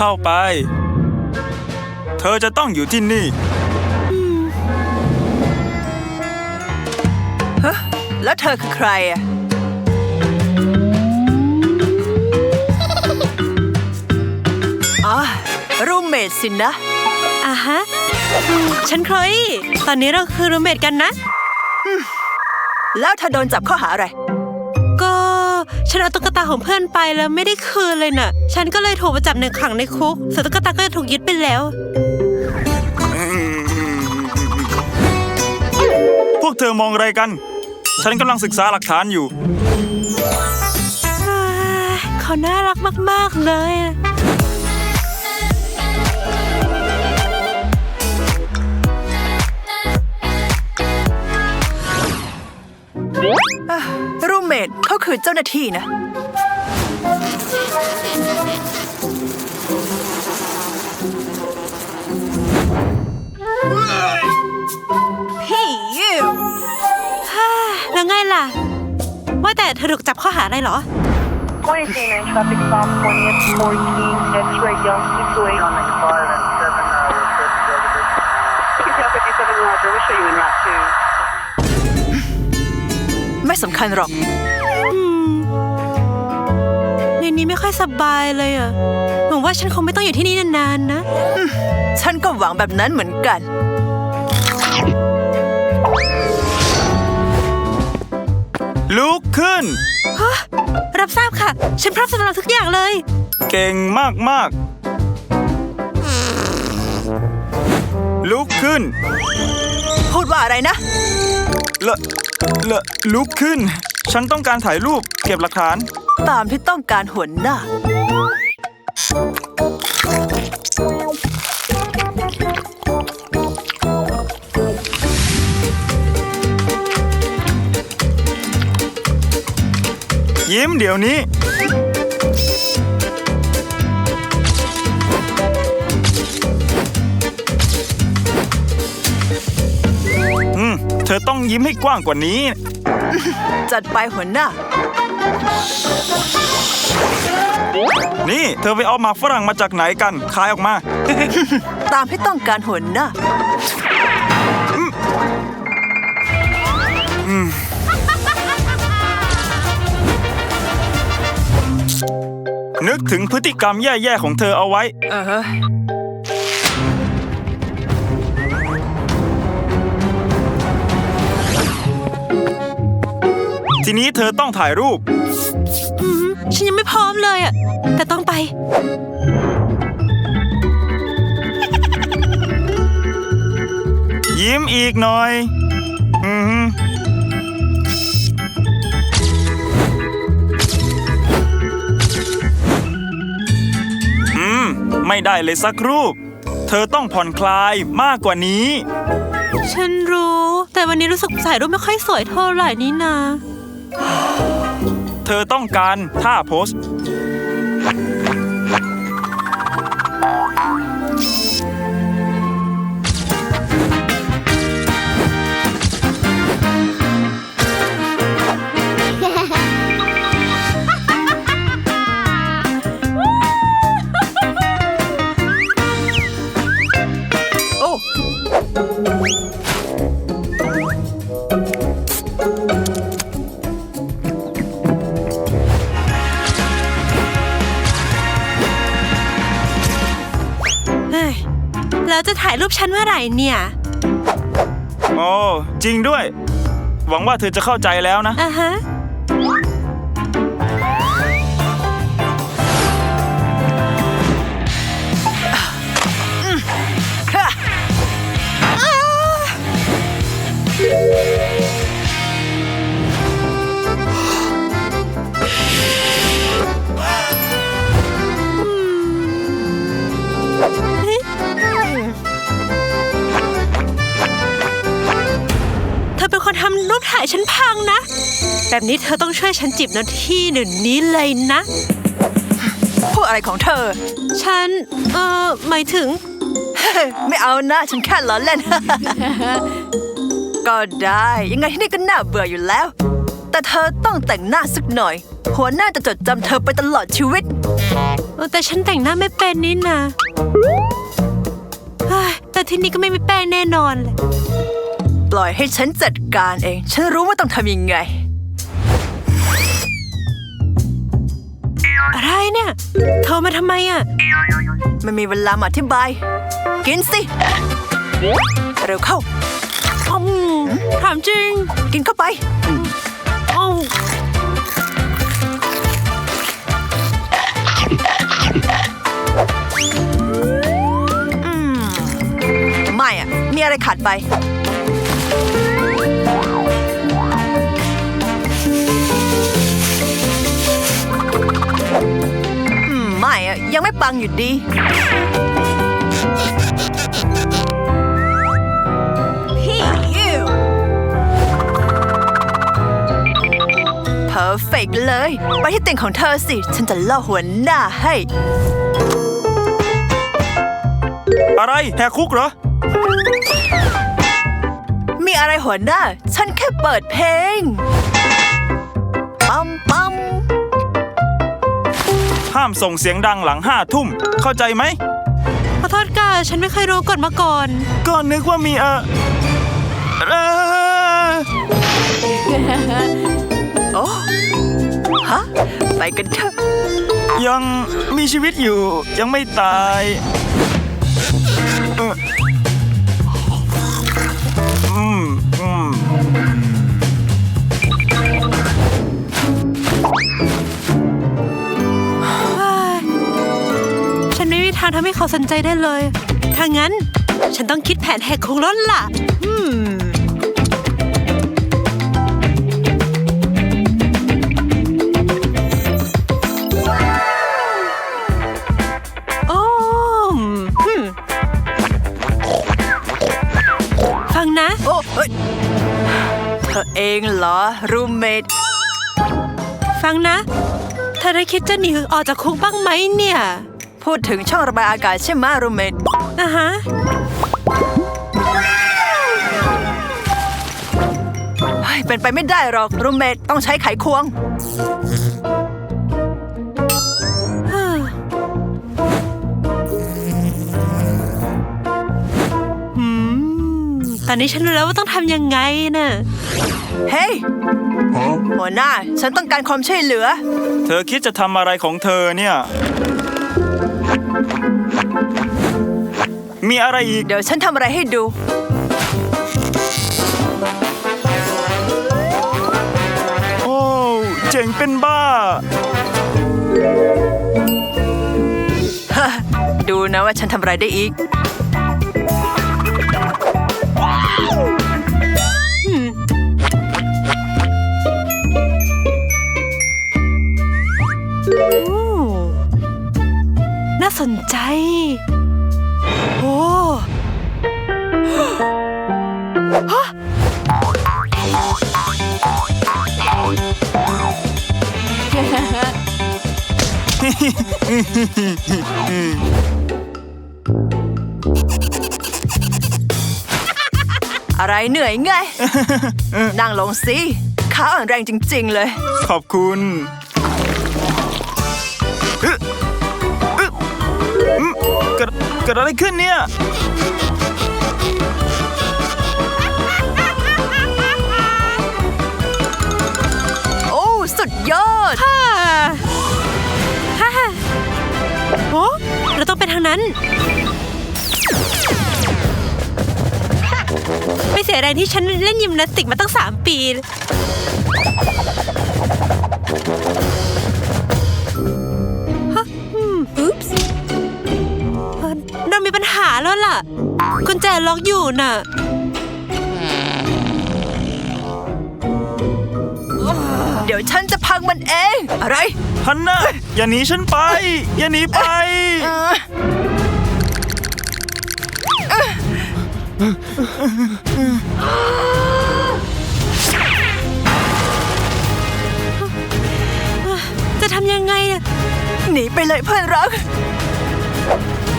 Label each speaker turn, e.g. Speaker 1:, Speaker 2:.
Speaker 1: เข้าไปเธอจะต้องอยู่ที่นี่
Speaker 2: แล้วเธอคือใครอ่ะอ๋อรูมเมทสินะ
Speaker 3: อ่ะฮะฉันโคลอี้ตอนนี้เราคือรูมเมทกันนะ
Speaker 2: แล้วเธอโดนจับข้อหาอะไร
Speaker 3: ก็ฉันเอาตุ๊กตาของเพื่อนไปแล้วไม่ได้คืนเลยน่ะฉันก็เลยถูกมาจับขังในคุกส่วนตุ๊กตาก็ถูกยึดไปแล้ว
Speaker 1: พวกเธอมองอะไรกันฉันกำลังศึกษาหลักฐานอยู่
Speaker 3: เขาน่ารักมากๆเลย
Speaker 2: รูมเมทเขาคือเจ้าหน้าที่นะพี่ยู
Speaker 3: แล้วไงล่ะว่าแต่เธอถูกจับข้อหาอะไรเหรอ
Speaker 4: 29 traffic stop 20th 14 X-ray Young 628 on 95 and 7 57 Roger, we'll show you in route
Speaker 2: 2ไม่สำคัญหรอก
Speaker 3: ในนี้ไม่ค่อยสบายเลยอ่ะหวังว่าฉันคงไม่ต้องอยู่ที่นี่นานๆนะ
Speaker 2: ฉันก็หวังแบบนั้นเหมือนกัน
Speaker 1: ลุกขึ้น
Speaker 3: รับทราบค่ะฉันพร้อมสำหรับทุกอย่างเลย
Speaker 1: เก่งมากๆลุกขึ้น
Speaker 2: พูดว่าอะไรนะ
Speaker 1: ลุกขึ้นฉันต้องการถ่ายรูปเก็บหลักฐาน
Speaker 2: ตามที่ต้องการหัวหน้า
Speaker 1: ยิ้มเดี๋ยวนี้เธอต้องยิ้มให้กว้างกว่านี้
Speaker 2: จัดไปหัวหน้า
Speaker 1: นี่เธอไปเอาหมากฝรั่งมาจากไหนกันขายออกมา
Speaker 2: ตามที่ต้องการหัวหน้า
Speaker 1: นึกถึงพฤติกรรมแย่ๆของเธอเอาไว้ทีนี้เธอต้องถ่ายรูป
Speaker 3: ฉันยังไม่พร้อมเลยอ่ะแต่ต้องไป
Speaker 1: ยิ้มอีกหน่อยไม่ได้เลยสักรูปเธอต้องผ่อนคลายมากกว่านี้
Speaker 3: ฉันรู้แต่วันนี้รู้สึกถ่ายรูปไม่ค่อยสวยเท่าไหร่นี่นา
Speaker 1: เธอต้องการท่าโพส
Speaker 3: แล้วจะถ่ายรูปฉันเมื่อไหร่เนี่ย
Speaker 1: โอ้จริงด้วยหวังว่าเธอจะเข้าใจแล้วนะ
Speaker 3: ฮะทำรูปถ่ายฉันพังนะแบบนี้เธอต้องช่วยฉันจีบนาที่เดี๋ยวนี้เลยนะ
Speaker 2: พูดอะไรของเธอ
Speaker 3: ฉันหมายถึง
Speaker 2: ไม่เอานะฉันแค่ล้อเล่น ก็ได้ยังไงที่นี่ก็น่าเบื่ออยู่แล้วแต่เธอต้องแต่งหน้าสักหน่อยหัวหน้าจะจดจำเธอไปตลอดชีวิต
Speaker 3: แต่ฉันแต่งหน้าไม่เป็นนี่นะเฮ้ยแต่ที่นี่ก็ไม่มีแป้งแน่นอนเลย
Speaker 2: ปล่อยให้ฉันจัดการเอง ฉันรู้ว่าต้องทำยังไง
Speaker 3: อะไรเนี่ยโทรมาทำไมอ่ะ
Speaker 2: ไม่มีเวลามาอธิบาย กินสิ เร็วเข้า
Speaker 3: ถามจริง
Speaker 2: กินเข้าไป
Speaker 3: อ้าว
Speaker 2: ไม่อะมีอะไรขาดไป ไม่อะยังไม่ปังอยู่ดี พี่ยูเพอร์เฟกเลย ไปที่เตียงของเธอสิ ฉันจะเล่าหัวหน้าให้
Speaker 1: อะไรแหกคุกเหรอ
Speaker 2: มีอะไรหัวหน้า ฉันแค่เปิดเพลง ปั๊มปั๊ม
Speaker 1: ห้ามส่งเสียงดังหลัง5 ทุ่ม เข้าใจไหม
Speaker 3: ขอโทษค่ะฉันไม่เคยรู้กฎมาก่อน
Speaker 1: ก็นึกว่ามี
Speaker 2: โอ้ฮะ ไปกันเถอะ
Speaker 1: ยังมีชีวิตอยู่ยังไม่ตายอืม
Speaker 3: ฉันไม่มีทางทำให้เขาสนใจได้เลย ถ้างั้น ฉันต้องคิดแผนแหกคุกแล้วล่ะ โอ้ฟังนะ
Speaker 2: โอ้เฮ้ยเธอเองเหรอ รูมเมท
Speaker 3: ฟังนะ เธอได้คิดจะหนีออกจากคุกบ้างไหมเนี่ย
Speaker 2: พูดถึงช่องระบายอากาศใช่ไหมรูมเมท
Speaker 3: อ่ะฮะ
Speaker 2: เป็นไปไม่ได้หรอก รูมเมทต้องใช้ไขควง
Speaker 3: ตอนนี้ฉันรู้แล้วว่าต้องทำยังไงน่ะ
Speaker 2: เฮ้ยหัวหน้า ฉันต้องการความช่วยเหลือ
Speaker 1: เธอคิดจะทำอะไรของเธอเนี่ย มีอะไรอีก
Speaker 2: เดี๋ยวฉันทำอะไรให้ดู
Speaker 1: โอ้เจ๋งเป็นบ้า
Speaker 2: ดูนะว่าฉันทำอะไรได้อีก
Speaker 3: น่าสนใจ โอ้ฮะ
Speaker 2: อะไรเหนื่อยไง นั่งลงสิขาอ่อนแรงจริงๆเลย
Speaker 1: ขอบคุณเกิดอะไรขึ้นเนี่ย
Speaker 2: โอ้ สุดยอด
Speaker 3: ฮ่าฮ่าโอ้เราต้องไปทางนั้น ไม่เสียแรงที่ฉันเล่นยิมนาสติกมาตั้ง3 ปีฮะอุ๊ปส์เรามีปัญหาแล้วล่ะ กุญแจล็อกอยู่น่ะ
Speaker 2: เดี๋ยวฉันจะพังมันเอง อะไร
Speaker 1: ฮันน่าอย่าหนีฉันไป อย่าหนีไป
Speaker 3: จะทำยังไงอะ
Speaker 2: หนีไปเลยเพื่อนรัก